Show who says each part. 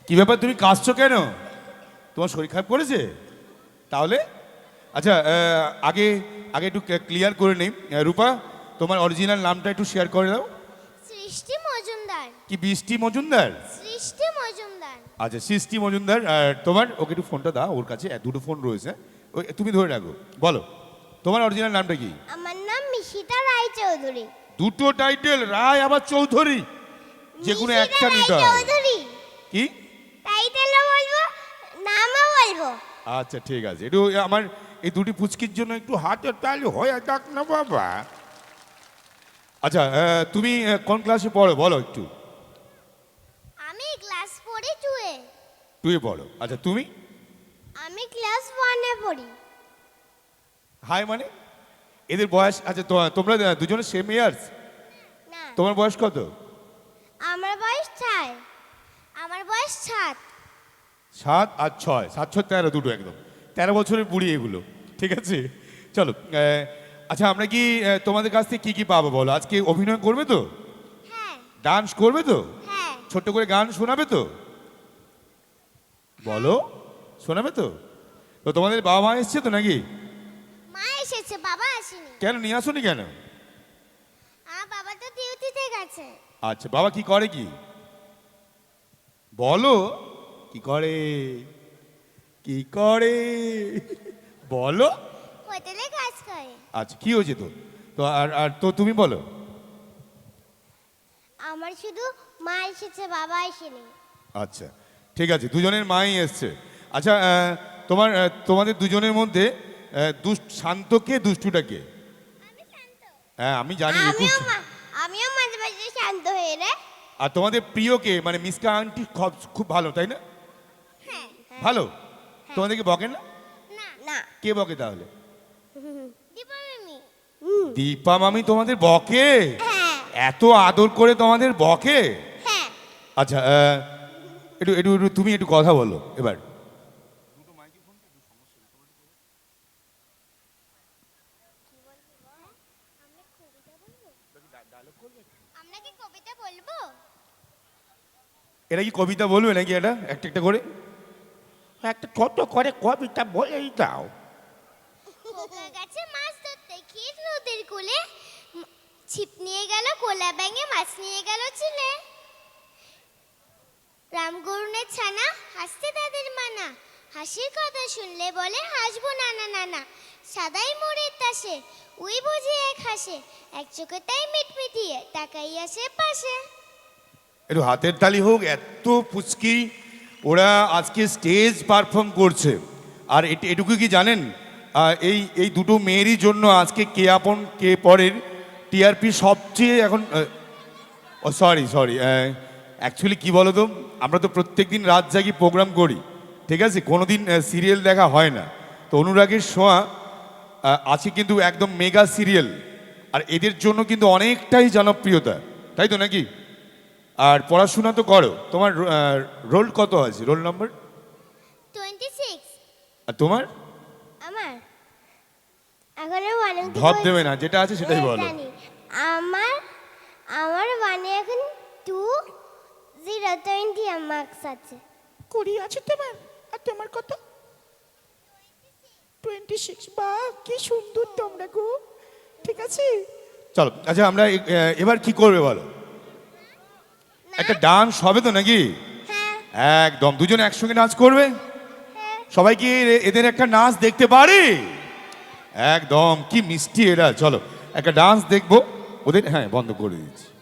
Speaker 1: কি ব্যাপার, তুমি কাঁদছো কেন? তোমার শরীর খারাপ করেছে? তাহলে আচ্ছা, আগে আগে একটু ক্লিয়ার করে নেই। রূপা, তোমার অরিজিনাল নামটা একটু শেয়ার করে দাও।
Speaker 2: সৃষ্টি মজুমদার।
Speaker 1: কি বৃষ্টি মজুমদার?
Speaker 2: সৃষ্টি মজুমদার।
Speaker 1: আচ্ছা, সৃষ্টি মজুমদার। আর তোমার? ওকে একটু ফোনটা দাও, ওর কাছে দুটো ফোন রয়েছে, ওই তুমি ধরে রাখো। বলো, তোমার অরিজিনাল নামটা কি?
Speaker 2: আমার নাম মিশিতা রায়চৌধুরী।
Speaker 1: দুটো টাইটেল, রায় আবার চৌধুরী, যে কোনো একটা নিতে হবে।
Speaker 2: চৌধুরী
Speaker 1: কি
Speaker 2: টাইটেলও বলবো, নামও বলবো।
Speaker 1: আচ্ছা ঠিক আছে, একটু আমার এই দুটি পুচকির জন্য একটু হাতের তালি হয়ে যাক না বাবা। আচ্ছা, তুমি কোন ক্লাসে পড়ো বলো একটু।
Speaker 2: আমি ক্লাস 4 2
Speaker 1: তুই পড়ো। আচ্ছা তুমি?
Speaker 2: আমি ক্লাস 1 পড়ি।
Speaker 1: হাই মানে এদের বয়স? আচ্ছা তোমরা দুজনে সেম ইয়ার্স?
Speaker 2: না,
Speaker 1: তোমার বয়স কত?
Speaker 2: আমার বয়স 4। আমার বয়স 7।
Speaker 1: 7 আর 6, 7 6 13, দুটো একদম 13 বছরের বুড়ি এগুলো। ঠিক আছে, চলো। আচ্ছা, আমরা কি তোমাদের কাছ থেকে কি পাবো বলো? আজকে অভিনয় করবে তো?
Speaker 2: হ্যাঁ
Speaker 1: ডান্স করবে তো?
Speaker 2: হ্যাঁ।
Speaker 1: ছোট্ট করে গান শোনাবে তো? বলো, শোনাবে তো? তো তোমাদের বাবা মা এসছে তো নাকি?
Speaker 2: মা এসেছে, বাবা আসেনি।
Speaker 1: কেন নিয়ে আসোনি কেন?
Speaker 2: বাবা তো ডিউটিতে গেছে।
Speaker 1: আচ্ছা, বাবা কি করে? কি বলো, কি করে? কি করে বলো?
Speaker 2: হোটেলে কাজ করে।
Speaker 1: আচ্ছা, কি হয়েছে তো? তো আর আর তো তুমি বলো।
Speaker 2: আমার শুধু মা এসেছে, বাবা আসেনি।
Speaker 1: আচ্ছা ঠিক আছে, দুজনের মাই এসছে। আচ্ছা, তোমাদের দুজনের মধ্যে শান্ত কে, দুষ্টুটা কে?
Speaker 2: আমি শান্ত।
Speaker 1: হ্যাঁ আমি জানি।
Speaker 2: আমিও মাঝে মাঝে শান্ত হয়ে রে।
Speaker 1: আর তোমাদের প্রিয় কে? মানে মিসকা আন্টি খুব ভালো, তাই না?
Speaker 2: হ্যাঁ
Speaker 1: ভালো? তোমাদেরকে বকে না?
Speaker 2: না না।
Speaker 1: কে বকে তাহলে?
Speaker 2: দীপা মামি।
Speaker 1: দীপা মামি তোমাদের বকে?
Speaker 2: হ্যাঁ
Speaker 1: এত আদর করে তোমাদের বকে?
Speaker 2: হ্যাঁ।
Speaker 1: আচ্ছা, একটু একটু একটু তুমি একটু কথা বলো এবার।
Speaker 2: আমরা কি কবিতা বলবো?
Speaker 1: এটা কি কবিতা বলবে নাকি? এটা একটা একটা করে একটা কত করে কবিতা বলেই দাও।
Speaker 2: খোকা গাছে মাছ ধরতে ক্ষীর নদীর কূলে, ছিপ নিয়ে গেল কোলা ব্যাঙে, মাছ নিয়ে গেল চিলে। রামগরুনের ছানা হাসতে তাদের মানা, হাসির কথা শুনলে বলে হাসবো নানা নানা। সাদাই মোড়ের তাসে উই বুঝি এক হাসে, এক চোখে তাই মিটমিটিয়ে তাকাই আসে পাশে।
Speaker 1: একটু হাতের তালি হোক। এত পুচকি ওরা আজকে স্টেজ পারফর্ম করছে। আর এটুকু কি জানেন, এই এই দুটো মেয়েরই জন্য আজকে কে আপন কে পরের টিআরপি সবচেয়ে এখন। সরি সরি, অ্যাকচুয়ালি কী বলো তো, আমরা তো প্রত্যেক দিন রাত জাগি প্রোগ্রাম করি, ঠিক আছে, কোনো দিন সিরিয়াল দেখা হয় না। তো অনুরাগের ছোঁয়া আছে কিন্তু একদম মেগা সিরিয়াল, আর এদের জন্য কিন্তু অনেকটাই জনপ্রিয়তা, তাই তো নাকি? আর পড়াশোনা তো করো। তোমার রোল কত আছে, রোল নাম্বার?
Speaker 2: 26।
Speaker 1: আর তোমার?
Speaker 2: আমার এখনো ওয়ানে
Speaker 1: ধপ দেবে না, যেটা আছে সেটাই বলো।
Speaker 2: আমার আমার ওয়ানে এখন 2020 মার্কস আছে।
Speaker 3: 20 আছে তোমার? আর তোমার কত? 26। বাহ, কি সুন্দর তোমরা গো। ঠিক আছে,
Speaker 1: চলো। আচ্ছা, আমরা এবার কি করবে বলো? একটা ডান্স হবে তো নাকি?
Speaker 2: হ্যাঁ
Speaker 1: একদম, দুজনে একসঙ্গে নাচ করবে।
Speaker 2: হ্যাঁ।
Speaker 1: সবাই কি এদের একটা নাচ দেখতে পারে? একদম, কি মিষ্টি এরা। চলো একটা ডান্স দেখবো ওদের। হ্যাঁ, বন্ধ করে দিচ্ছি।